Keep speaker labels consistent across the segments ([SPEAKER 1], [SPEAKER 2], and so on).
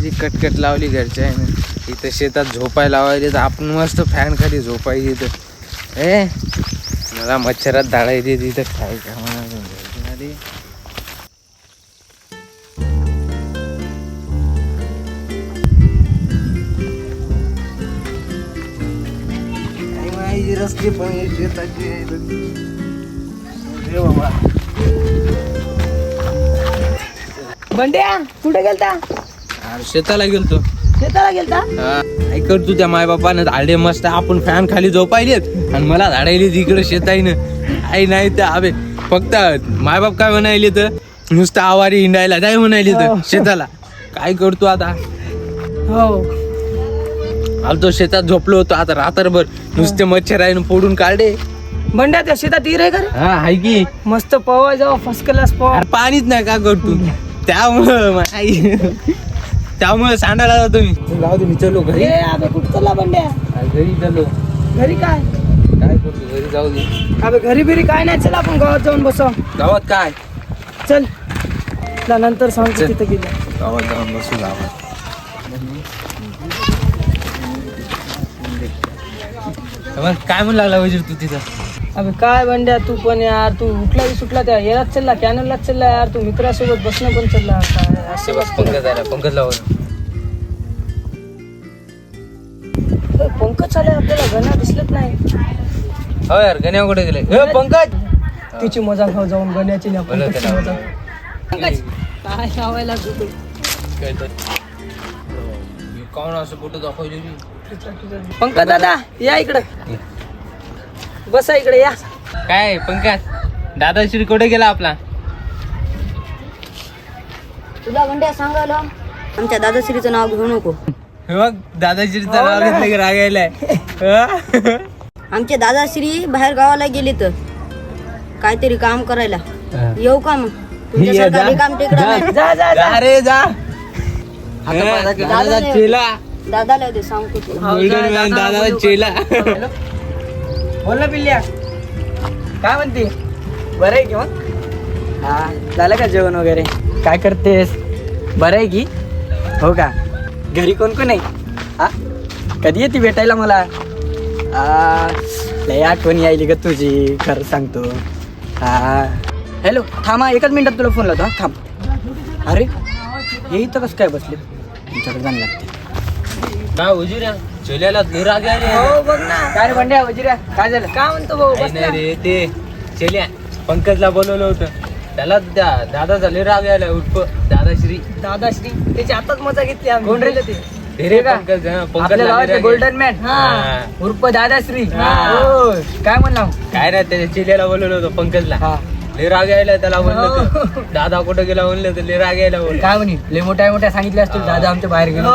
[SPEAKER 1] किती कटकट लावली घरच्या आहे ना. इथं शेतात झोपायला लावायचे तर आपण मस्त फॅन खाली झोपायची इथं. मला मच्छरात धाडायचे तिथं काय का म्हणा. रस्ते पण शेताची बाबा.
[SPEAKER 2] बंड्या कुठे गेलता?
[SPEAKER 1] शेताला गेलतो.
[SPEAKER 2] शेताला गेलता?
[SPEAKER 1] काय करतो त्या माय बापानं झाडे मस्त आपण फॅन खाली झोपायलेत आणि मला झाडायले तिकडे शेताईनं. आई नाही तर अबे फक्त मायबाप काय म्हणायले तर नुसतं आवारी हिंडायला काय म्हणायले तर शेताला. काय करतो आता.
[SPEAKER 2] हो
[SPEAKER 1] आलतो शेतात झोपलो होतो आता रात्रभर नुसते मच्छर आहे फोडून काढे.
[SPEAKER 2] बंड्या त्या शेतात हिरे का रे?
[SPEAKER 1] हा हाय की
[SPEAKER 2] मस्त पवा जाऊ फर्स्ट क्लास पवा.
[SPEAKER 1] पाणीच नाही का करतो त्यामुळे सांडायला जातो मी. जाऊ दे मी चलो घरी.
[SPEAKER 2] अबे कुठं चालला बंड्या?
[SPEAKER 1] घरी चलो.
[SPEAKER 2] घरी काय
[SPEAKER 1] काय करतो घरी जाऊ दे.
[SPEAKER 2] अबे घरी बिरी काय नाही. चल आपण गावात जाऊन बसू.
[SPEAKER 1] गावात काय
[SPEAKER 2] चल तुला नंतर सांगतो तिथे गेलं.
[SPEAKER 1] गावात जाऊन बसू. गावात काय म्हणू लागला वजीर तू तिथं.
[SPEAKER 2] अबे काय बंड्या तू पण यार. तू उठला सुटला त्या यालाच चालला कॅनललाच चालला यार. तू मित्रासोबत बसणं पण चालला. काय
[SPEAKER 1] असे बस पंकज आला. पंकज लावून
[SPEAKER 2] पंकज आले आपल्याला गणा दिसलत नाही.
[SPEAKER 1] हो यार गण्या कुठे गेले. पंकज
[SPEAKER 2] तिची मजा खाऊ जाऊन गण्याची ना पंकजची मजा. पंकज काय लावायला तू
[SPEAKER 1] कोण असं फोटो दाखवले.
[SPEAKER 2] पंकज दादा या इकडं बसा इकडे या.
[SPEAKER 1] काय पंकज दादाश्री कुठे गेला आपला.
[SPEAKER 3] तुला बंड्या सांगायला आमच्या दादाश्रीचं नाव घेऊ नको.
[SPEAKER 1] बघ दादाश्रीचं नाव घेतलं की राग यायलाय.
[SPEAKER 3] आमचे दादाश्री बाहेर गावाला गेले तर काहीतरी काम करायला. येऊ का मग तुमच्यासारखा रिकाम टेकडा नाही.
[SPEAKER 2] जा जा जा.
[SPEAKER 1] जा रे जा.
[SPEAKER 3] दादाला
[SPEAKER 1] चेला
[SPEAKER 3] दादाला दे सांगतो तुला.
[SPEAKER 1] गोल्डन मॅन दादा चेला.
[SPEAKER 2] बोल ना पिल्ल्या काय म्हणते. बरं आहे की मग. हा झालं का जेवण वगैरे. काय करतेस. बरं आहे की. हो का. घरी कोण कोण आहे. हा कधी येते भेटायला मला. लय आठवण यायली ग तुझी खरं सांगतो. हा हॅलो थांबा एकच मिनिटात तुला फोन लावतो. हा थांब. अरे हे इथं कसं काय बसले. तुमच्याकडे जाणं लागते.
[SPEAKER 1] काय उजिऱ्या चेल्याला राग यायले.
[SPEAKER 2] हो बघ ना. काय रे बंड्या वजिऱ्या काय झालं. काय म्हणतो भाऊ.
[SPEAKER 1] काही नाही रे ते चेल्या पंकजला बोलवलं होतं त्याला त्या दादाचा लय राग यायला. उठप दादाश्री.
[SPEAKER 2] दादाश्री त्याची आताच मजा घेतली आम्ही. कोण रे ते
[SPEAKER 1] रे पंकज.
[SPEAKER 2] आपल्या गावाचे गोल्डन मॅन उर्फ दादाश्री. हो काय म्हणला.
[SPEAKER 1] काय नाही त्याच्या चेल्याला बोलवलं होतं पंकजला. लय राग यायला त्याला म्हणलं दादा कुठं गेला म्हणलं तर लय राग यायला. बोल
[SPEAKER 2] काय म्हणे लय मोठ्या मोठ्या सांगितले असतील दादा आमच्या बाहेर गेलो.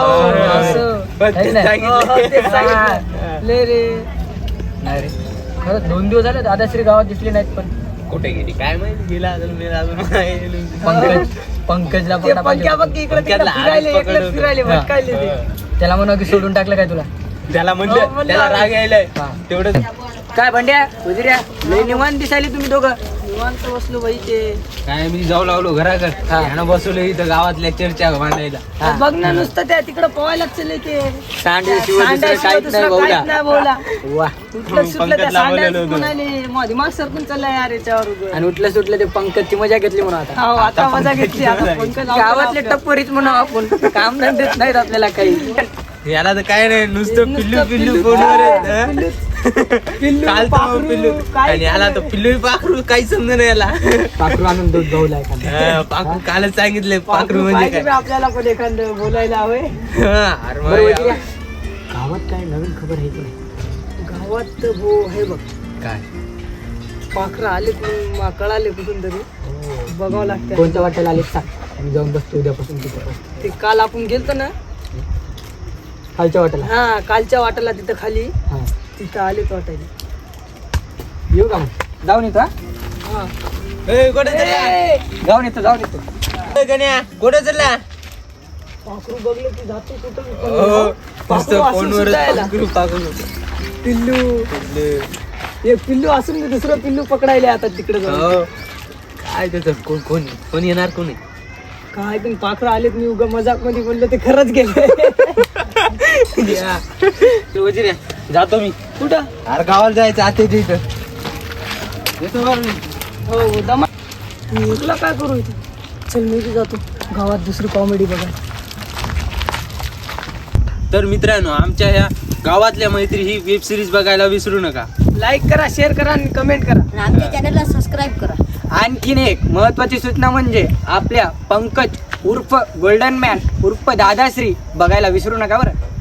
[SPEAKER 2] लय रे नाही रे खरंच 2 दिवस झाले दादाश्री गावात दिसले नाहीत. पण
[SPEAKER 1] कुठे गेली काय माहिती. गेला अजून
[SPEAKER 2] पंकजला त्याला म्हणा की सोडून टाकलं काय तुला.
[SPEAKER 1] त्याला म्हणलं त्याला राग यायलाय तेवढं.
[SPEAKER 2] काय बंड्या उजिऱ्या लय निवांत दिसायले तुम्ही दोघं. निवांत बसलो बाई. ते
[SPEAKER 1] काय मी जाऊ लागलो घराकडे बसवलं इथं गावातल्या चर्चा मांडायला.
[SPEAKER 2] बघ ना नुसतं त्या तिकडं पवायला चालले ते दिमाग सरकून चाललाय यार याच्यावर. आणि उठलं सुटलं ते पंकजची मजा घेतली म्हणून आता. आता मजा घेतली. गावातले टप्परीच म्हणून आपण काम धंदेत नाहीत आपल्याला काही.
[SPEAKER 1] याला तर काय नाही नुसतं पिल्लू पिल्लू फोनवर पिल्लू. आणि याला तर पिल्लू पाखरू काही समज नाही. याला
[SPEAKER 2] पाखरू आणून दूध गवलाय.
[SPEAKER 1] पाखरू कालच सांगितलंय पाखरू म्हणजे काय.
[SPEAKER 2] आपल्याला पण एखादं बोलायला हवंय. गावात काय नवीन खबर आहे की नाही. गावात हो आहे बघ.
[SPEAKER 1] काय
[SPEAKER 2] पाखरं आले कळाले कुठून तरी बघावं लागतं. कोणत्या वाट्याला आले सांग. आम्ही जाऊन बसतो उद्यापासून तिथं. ते काल आपण गेलतो ना खालच्या वाट्याला. हा कालच्या वाट्याला तिथं खाली. तिथं आले तो वाटायला. येऊ का मग जाऊन येतो. जाऊन येतो.
[SPEAKER 1] कुठे चालला.
[SPEAKER 2] पाखरू बघलं की जातो कुठं. पिल्लू एक पिल्लू असून दुसरं पिल्लू पकडायला आता तिकडे.
[SPEAKER 1] काय त्याचं कोण येणार कोणी.
[SPEAKER 2] काय पण पाखरं आलेत, मी उगा मजाक मध्ये बोललो ते खरंच गेले.
[SPEAKER 1] वजीर जातो मी.
[SPEAKER 2] कुठं?
[SPEAKER 1] अरे गावाला जायचं आता इथं येतो बरं मी.
[SPEAKER 2] हो दमा. मी तुला काय करू इथं? चल मी बी जातो गावात दुसरी कॉमेडी बघा.
[SPEAKER 1] तर मित्रांनो, आमच्या ह्या गावातल्या मैत्री ही वेब सिरीज बघायला विसरू नका.
[SPEAKER 2] लाईक करा, शेअर करा आणि कमेंट करा.
[SPEAKER 3] आणि आमच्या चॅनलला सबस्क्राईब करा.
[SPEAKER 2] आणखीन एक महत्वाची सूचना म्हणजे आपल्या पंकज उर्फ गोल्डन मॅन उर्फ दादाश्री बघायला विसरू नका बरं.